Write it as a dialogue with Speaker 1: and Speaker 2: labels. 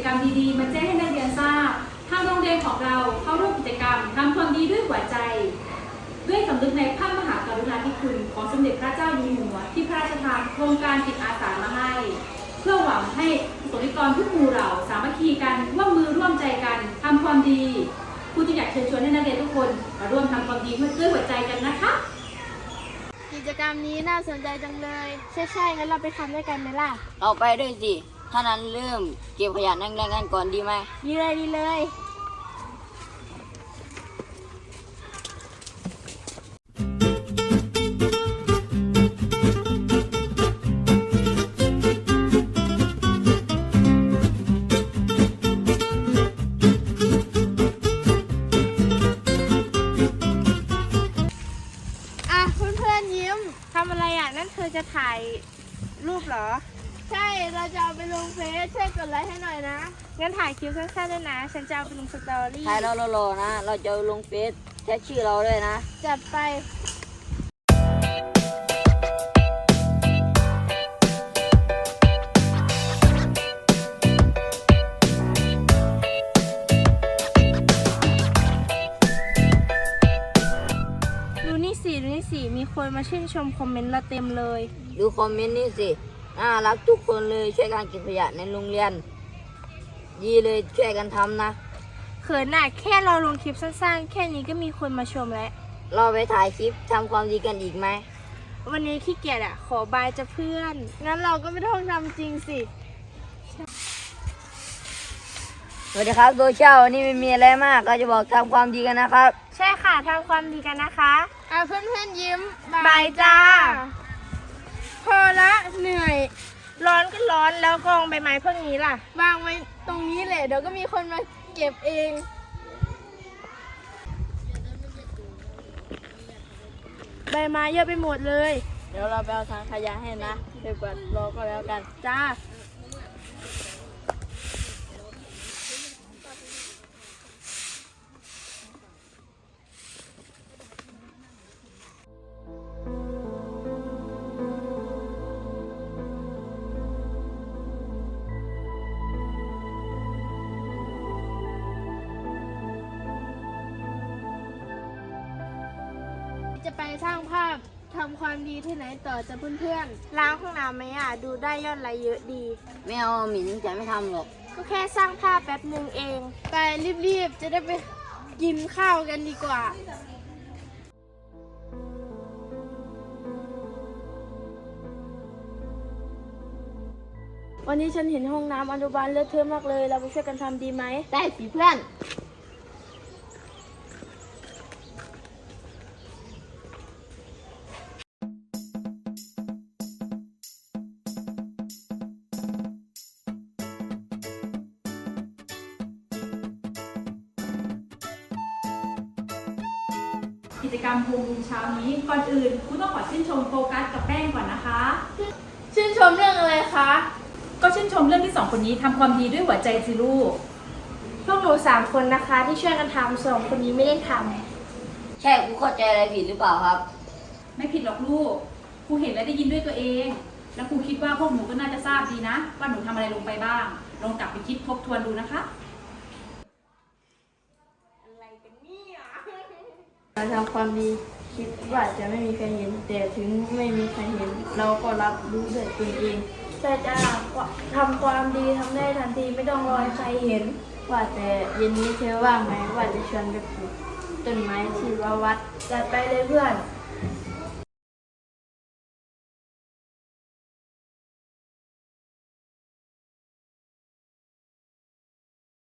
Speaker 1: รรมดีๆมาแจ้งให้นักเรียนทราบทางโรงเรียนของเราเข้าร่วมกิจกรรมทำความดีด้วยหัวใจด้วยสำนึกในพระมหากรุณาธิคุณของสมเด็จพระเจ้าอยู่หัวที่พระราชทานโครงการจิตอาสามาให้เพื่อหวังให้ประสบนิกรทุกหมู่เหล่าสามัคคีกันร่วมมือร่วมใจกันทำความดีครูจึงอยากเชิญชวนให้นักเรียนทุกคนมาร่วมทำความดีด้วยหัวใจกันนะคะ
Speaker 2: กิจกรรมนี้น่าสนใจจังเลยใช่งั้นเราไปทำด้วยกันไหมล่ะ
Speaker 3: เราไปด้วยสิถ้านั้นเริ่มเก็บขยะแรงๆกันก่อนดีไหม
Speaker 2: ดีเลยเพื่อนยิ้มทำอะไรอ่ะนั่นเธอจะถ่ายรูปเหรอใช่เราจะเอาไปลงเฟซช่วยกดไลค์ให้หน่อยนะงั้นถ่ายคลิปสั้นๆด้วยนะฉันจะเอาไปลงสตอรี่
Speaker 3: ถ่ายเรารอๆนะเราจะลงเฟซแท็กชื่อเราด้วยนะ
Speaker 2: จัดไปดูนี่สิมีคนมาชื่นชมคอมเมนต์เราเต็มเลย
Speaker 3: ดูคอมเมนต์นี่สิน่ารักทุกคนเลยช่วยกันเก็บขยะในโรงเรียนดีเลยช่วยกันทำนะ
Speaker 2: เขินน่ะแค่เราลงคลิปสั้นๆแค่นี้ก็มีคนมาชมแล้ว
Speaker 3: เราไปถ่ายคลิปทำความดีกันอีกไหม
Speaker 2: วันนี้ขี้เกียจอ่ะขอบายจะเพื่อนงั้นเราก็ไม่ต้องทำจริงสิ
Speaker 3: สวัสดีครับโดยเช้าวันนี้ไม่มีอะไรมากก็จะบอกทำความดีกันนะครับ
Speaker 2: ใช่ค่ะทำความดีกันนะคะเพื่อนยิ้มบายจ้าพอละเหนื่อยร้อนก็ร้อนแล้วกองใบไม้พวกนี้ล่ะวางไว้ตรงนี้แหละเดี๋ยวก็มีคนมาเก็บเองใบไม้เยอะไปหมดเลย
Speaker 3: เดี๋ยวเราไปเอาทางขยะให้นะเดี๋ยวกวาดรอก็แล้วกัน
Speaker 2: จ้าจะไปสร้างภาพทำความดีที่ไหนต่อจะเพื่อนๆล้างห้องน้ำไหมอ่ะดูได้ยอดไลค์เยอะดี
Speaker 3: ไม่เอาหมิ่นจะไม่ทำหรอก
Speaker 2: ก็แค่สร้างภาพแป๊บหนึ่งเองไปรีบๆจะได้ไปกินข้าวกันดีกว่าวันนี้ฉันเห็นห้องน้ำอนุบาลเลอะเทอะมากเลยเราไปช่วยกันทำดีไหม
Speaker 3: ได้สิเพื่อน
Speaker 1: กิจกรรมโฮมรูมเช้านี้ก่อนอื่นครูต้องขอชื่นชมโฟกัสกับแป้งก่อนนะคะ
Speaker 2: ชื่นชมเรื่องอะไรคะ
Speaker 1: ก็ชื่นชมเรื่องที่2คนนี้ทำความดีด้วยหัวใจสิลูก
Speaker 2: พวกหนู3คนนะคะที่ช่วยกันทำ2คนนี้ไม่ได้ทำ
Speaker 3: ใช่ครูเข้าใจอะไรผิดหรือเปล่าครับ
Speaker 1: ไม่ผิดหรอกลูกครูเห็นและได้ยินด้วยตัวเองแล้วครูคิดว่าพวกหนูก็น่าจะทราบดีนะว่าหนูทำอะไรลงไปบ้างลองกลับไปคิดทบทวนดูนะคะ
Speaker 2: การทำความดีคิดว่าจะไม่มีใครเห็นแต่ถึงไม่มีใครเห็นเราก็รับรู้ด้วยตัวเองแต่จะทำความดีทำได้ทันทีไม่ต้องรอใครเห็นว่าแต่เย็นนี้เธอว่างไหมว่าจะชวนไปปลูกต้นไม้ที่วัดจัดไปเลยเพื่อน